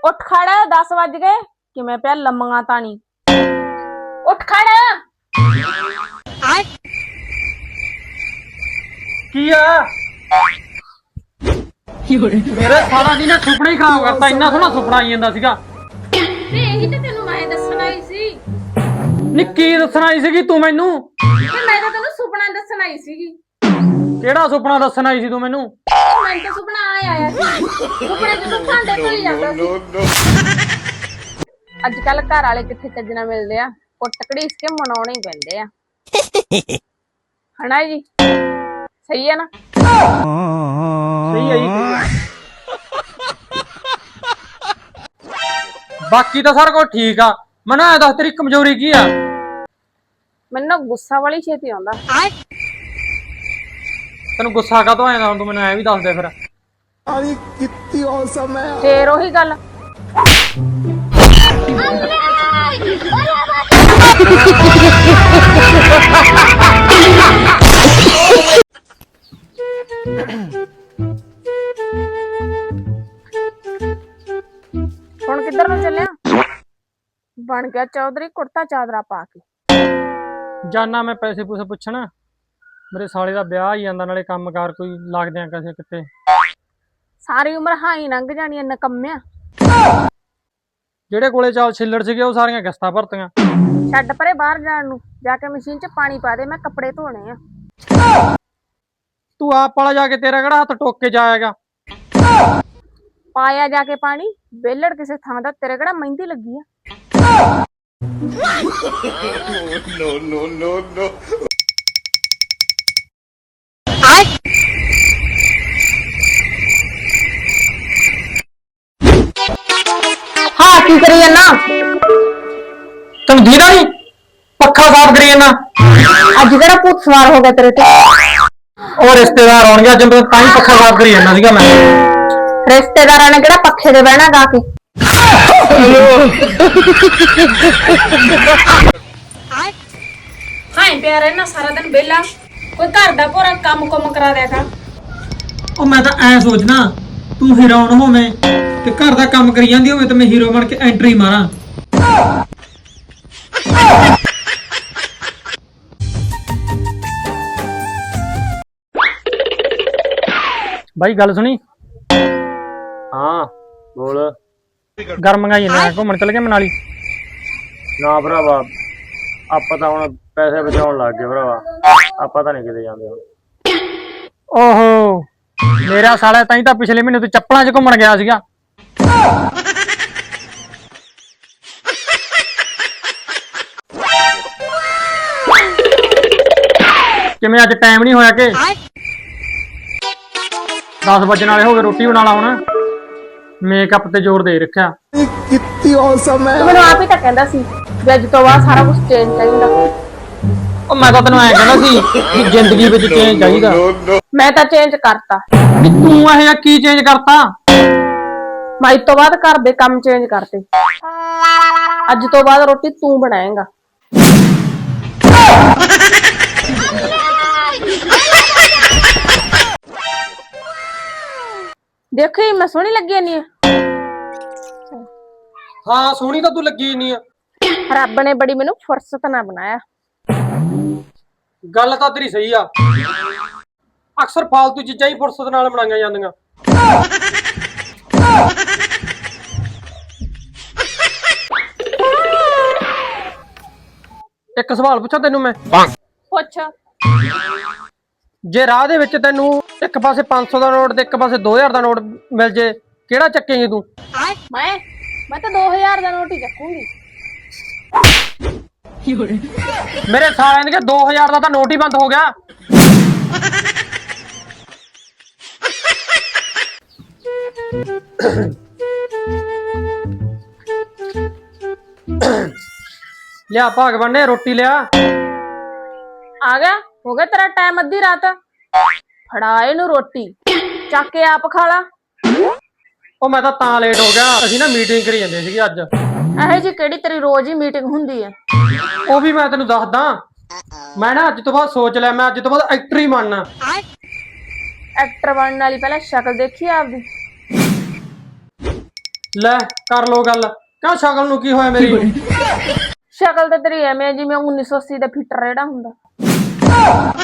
ਉੱਠ ਖੜ 10 ਵੱਜ ਗਏ ਕਿਵੇਂ ਪਿਆ ਲੰਮੀਆਂ ਤਾਣੀ ਉੱਠ ਖੜ ਕੀ ਆ ਮੇਰੇ ਸਾਰਾ ਦਿਨ ਸੁਪਨਾ ਹੀ ਖਰਾਬ ਕਰਤਾ। ਇੰਨਾ ਸੋਹਣਾ ਸੁਪਨਾ ਆਈ ਜਾਂਦਾ ਸੀਗਾ। ਤੇ ਇਹੀ ਤੇ ਤੈਨੂੰ ਮੈਂ ਦੱਸਣ ਆਈ ਸੀ। ਨੀ ਕੀ ਦੱਸਣ ਆਈ ਸੀਗੀ ਤੂੰ ਮੈਨੂੰ? ਤੇ ਮੈਂ ਤਾਂ ਤੈਨੂੰ ਸੁਪਨਾ ਦੱਸਣ ਆਈ ਸੀਗੀ। ਕਿਹੜਾ ਸੁਪਨਾ ਦੱਸਣ ਆਈ ਸੀ ਤੂੰ ਮੈਨੂੰ? ਮੈਨੂੰ ਤਾਂ ਸੁਪਨਾ ਆਇਆ ਸੀ। ਸੁਪਨੇ ਚ ਤੂੰ ਭਾਂਡੇ ਧੋਈ ਜਾਂਦਾ ਸੀ। ਅੱਜ ਕੱਲ ਘਰ ਵਾਲੇ ਕਿੱਥੇ ਚੱਜਣਾ ਮਿਲਦੇ ਆ, ਕੁੱਟ ਘੜੀਸ ਕੇ ਮਨਾਉਣੇ ਹੀ ਪੈਂਦੇ ਆ। ਹਨਾ ਜੀ, ਸਹੀ ਹੈ ਨਾ? ਸਹੀ ਹੈ ਜੀ। ਬਾਕੀ ਤਾਂ ਸਾਰਾ ਕੁਝ ਠੀਕ ਆ। ਮੈਨੂੰ ਇਹ ਦੱਸ ਤੇਰੀ ਕਮਜ਼ੋਰੀ ਕੀ ਆ? ਮੈਨੂੰ ਨਾ ਗੁੱਸਾ ਵਾਲੀ ਛੇਤੀ ਆਉਂਦਾ। ਤੈਨੂੰ ਗੁੱਸਾ ਕਾਹਤੋਂ ਆਇਆ? ਹੁਣ ਤੂੰ ਮੈਨੂੰ ਐ ਵੀ ਦੱਸ ਦੇ ਫਿਰ। अरे कितनी औसम है। ਫੇਰ ਉਹੀ ਗੱਲ। ਹੁਣ ਕਿੱਧਰ ਨੂੰ ਚੱਲਿਆ? ਬਣ ਗਿਆ ਚੌਧਰੀ ਕੁੜਤਾ ਚਾਦਰਾ ਪਾ ਕੇ। ਜਾਨਾ ਮੈਂ ਪੈਸੇ ਪੂਸੇ ਪੁੱਛਣ। ਮੇਰੇ ਸਾਲੇ ਦਾ ਵਿਆਹ ਹੀ ਜਾਂਦਾ, ਨਾਲੇ ਕੰਮਕਾਰ ਕੋਈ ਲੱਗਦੇ ਆ ਕਿਸੇ ਕਿਤੇ। ਸਾਰੀ ਉਮਰ ਹਾਈ ਲੰਘ ਜਾਣੀ ਐ ਨਕੰਮਿਆ। ਜਿਹੜੇ ਕੋਲੇ ਚਾਲ ਛਿੱਲੜ ਸੀਗੇ ਉਹ ਸਾਰੀਆਂ ਕਿਸ਼ਤਾਂ ਭਰਤੀਆਂ। ਛੱਡ ਪਰੇ ਬਾਹਰ ਜਾਣ ਨੂੰ, ਜਾ ਕੇ ਮਸ਼ੀਨ 'ਚ ਪਾਣੀ ਪਾ ਦੇ, ਮੈਂ ਕੱਪੜੇ ਧੋਣੇ ਆ। ਤੂੰ ਆਪ ਵਾਲਾ ਜਾ ਕੇ, ਤੇਰਾ ਕਿਹੜਾ ਹੱਥ ਟੋਕ ਕੇ ਜਾਏਗਾ? ਪਾਇਆ ਜਾ ਕੇ ਪਾਣੀ, ਵਿਹਲੜ ਕਿਸੇ ਥਾਂ ਦਾ, ਤੇਰੇ ਕਿਹੜਾ ਮਹਿੰਦੀ ਲੱਗੀ ਆ? No, no, no, no. ਹਾਂ ਕੀ ਕਰੀ ਜਾਂਦਾ? ਤੈਨੂੰ ਦੀਦਾ ਨਹੀਂ? ਪੱਖਾ ਸਾਫ਼ ਕਰੀ ਜਾਂਦਾ। ਅੱਜ ਕਿਹੜਾ ਭੂਤ ਸਵਾਰ ਹੋ ਗਿਆ ਤੇਰੇ ਤੇ? ਉਹ ਰਿਸ਼ਤੇਦਾਰ ਆਉਣਗੇ ਅੱਜ, ਤਾਂ ਹੀ ਪੱਖਾ ਸਾਫ਼ ਕਰੀ ਜਾਂਦਾ ਸੀਗਾ ਮੈਂ। ਰਿਸ਼ਤੇਦਾਰਾਂ ਨੇ ਕਿਹੜਾ ਪੱਖੇ ਤੇ ਬਹਿਣਾ ਗਾ ਕੇ? ਹਾਂ ਪਿਆ ਰਹਿਣਾ ਸਾਰਾ ਦਿਨ ਵਿਹਲਾ, ਕੋਈ ਘਰ ਦਾ ਪੂਰਾ ਕੰਮ ਕਰਾ ਦਿਆ ਕਰ। ਉਹ ਮੈਂ ਤਾਂ ਐ ਸੋਚਣਾ ਤੂੰ ਹੀਰੋਇਨ ਹੋਵੇਂ ਤੇ ਘਰ ਦਾ ਕੰਮ ਕਰੀ ਜਾਂਦੀ ਹੋਵੇ ਤੇ ਮੈਂ ਹੀਰੋ ਬਣ ਕੇ ਐਂਟਰੀ ਮਾਰਾਂ। ਬਾਈ ਗੱਲ ਸੁਣੀ। ਹਾਂ ਬੋਲ। ਗਰਮ ਗਾਈ ਨਾ ਘੁੰਮਣ ਚੱਲ ਗਏ ਮਨਾਲੀ। ਨਾ ਭਰਾਵਾ, ਆਪਾਂ ਤਾਂ ਹੁਣ ਪੈਸੇ ਬਚਾਉਣ ਲੱਗ ਗਏ ਭਰਾਵਾ। ਆਪਾਂ ਤਾਂ ਨਹੀਂ ਕਿਤੇ ਜਾਂਦੇ ਹੁਣ। ਓਹੋ, ਮੇਰਾ ਸਾਲਾ ਤਾਂ ਹੀ ਤਾਂ ਪਿਛਲੇ ਮਹੀਨੇ ਤੂੰ ਚੱਪਲਾਂ 'ਚ ਘੁੰਮਣ ਗਿਆ ਸੀਗਾ। ਕਿਵੇਂ ਅੱਜ ਟਾਈਮ ਨਹੀਂ ਹੋਇਆ ਕਿ 10 ਵਜਣ ਵਾਲੇ ਹੋ ਗਏ? ਰੋਟੀ ਬਣਾ ਲਾ ਹੁਣ। ਮੇਕਅਪ ਤੇ ਜ਼ੋਰ ਦੇ ਰੱਖਿਆ। कितनी औसम है। ਤੂੰ ਮੈਨੂੰ ਆਪ ਹੀ ਤਾਂ ਕਹਿੰਦਾ ਸੀ ਵੀ ਅੱਜ ਤੋਂ ਬਾਅਦ ਸਾਰਾ ਕੁਝ ਚੇਂਜ ਚਾਹੀਦਾ। ਉਹ ਮੈਂ ਤਾਂ ਤੈਨੂੰ ਐਂ ਕਹਿੰਦਾ ਸੀ ਕਿ ਜ਼ਿੰਦਗੀ ਵਿੱਚ ਚੇਂਜ ਚਾਹੀਦਾ। ਮੈਂ ਤਾਂ ਚੇਂਜ ਕਰਤਾ। ਵੀ ਤੂੰ ਇਹ ਕੀ ਚੇਂਜ ਕਰਤਾ? ਮੈਂ ਅੱਜ ਤੋਂ ਬਾਅਦ ਘਰ ਦੇ ਕੰਮ ਚੇਂਜ ਕਰਤੇ। ਅੱਜ ਤੋਂ ਬਾਅਦ ਰੋਟੀ ਤੂੰ ਬਣਾਏਂਗਾ। ਦੇਖੀ ਮੈਂ ਸੋਹਣੀ ਲੱਗੀ ਨਹੀਂ? ਹਾਂ ਸੋਹਣੀ ਤਾਂ ਤੂੰ ਲੱਗੀ ਨਹੀਂ ਆ। ਰੱਬ ਨੇ ਬੜੀ ਮੈਨੂੰ ਫੁਰਸਤ ਨਾਲ ਬਣਾਇਆ। ਗੱਲ ਤਾਂ ਤੇਰੀ ਸਹੀ ਆ। ਅਕਸਰ ਫਾਲਤੂ ਚੀਜ਼ਾਂ ਹੀ ਫੁਰਸਤ ਨਾਲ ਬਣਾਈਆਂ ਜਾਂਦੀਆਂ। ਇੱਕ ਸਵਾਲ ਪੁੱਛਾਂ ਤੈਨੂੰ ਮੈਂ? ਪੁੱਛ। ਜੇ ਰਾਹ ਦੇ ਵਿੱਚ ਤੈਨੂੰ ਇੱਕ ਪਾਸੇ 500 ਦਾ ਨੋਟ ਤੇ ਇੱਕ ਪਾਸੇ 2000 ਦਾ ਨੋਟ ਮਿਲ ਜੇ, ਕਿਹੜਾ ਚੱਕੇਂਗੀ ਤੂੰ? ਮੈਂ ਤਾਂ 2000 ਦਾ ਨੋਟ ਹੀ ਚੱਕੂੰਗੀ। ਮੇਰੇ ਸਾਲਿਆਂ ਨੇ 2000 ਦਾ ਤਾਂ ਨੋਟ ਹੀ ਬੰਦ ਹੋ ਗਿਆ। ਲਿਆ ਭਗਵਾਨ ਨੇ ਰੋਟੀ ਲਿਆ। ਆ ਗਿਆ? ਹੋ ਗਿਆ ਤੇਰਾ ਟਾਈਮ? ਅੱਧੀ ਰਾਤ ਫੜਾ ਇਹਨੂੰ ਰੋਟੀ, ਚੱਕ ਕੇ ਆਪ ਖਾ ਲਾ। ਉਹ ਮੈਂ ਤਾਂ ਲੇਟ ਹੋ ਗਿਆ। ਅਸੀਂ ਨਾ ਮੀਟਿੰਗ ਕਰੀ ਜਾਂਦੇ ਸੀਗੇ ਅੱਜ। ਇਹੋ ਜੀ ਕਿਹੜੀ ਤੇਰੀ ਰੋਜ਼ ਹੀ ਮੀਟਿੰਗ ਹੁੰਦੀ ਹੈ? ਉਹ ਵੀ ਮੈਂ ਤੈਨੂੰ ਦੱਸਦਾ। ਮੈਂ ਨਾ ਅੱਜ ਤੋਂ ਬਾਅਦ ਸੋਚ ਲਿਆ, ਮੈਂ ਅੱਜ ਤੋਂ ਬਾਅਦ ਐਕਟਰ ਹੀ ਬਣਨਾ। ਐਕਟਰ ਬਣਨ ਵਾਲੀ ਪਹਿਲਾਂ ਸ਼ਕਲ ਦੇਖੀ ਆਪਦੀ। ਲੈ ਕਰ ਲੋ ਗੱਲ ਕਿਉਂ ਸ਼ਕਲ ਨੂੰ ਕੀ ਹੋਇਆ ਮੇਰੀ ਸ਼ਕਲ ਤਾਂ ਤੇਰੀ ਐਵੇਂ ਆ ਜਿਵੇਂ 1980 ਦਾ ਫਿੱਟਰ ਜਿਹੜਾ ਹੁੰਦਾ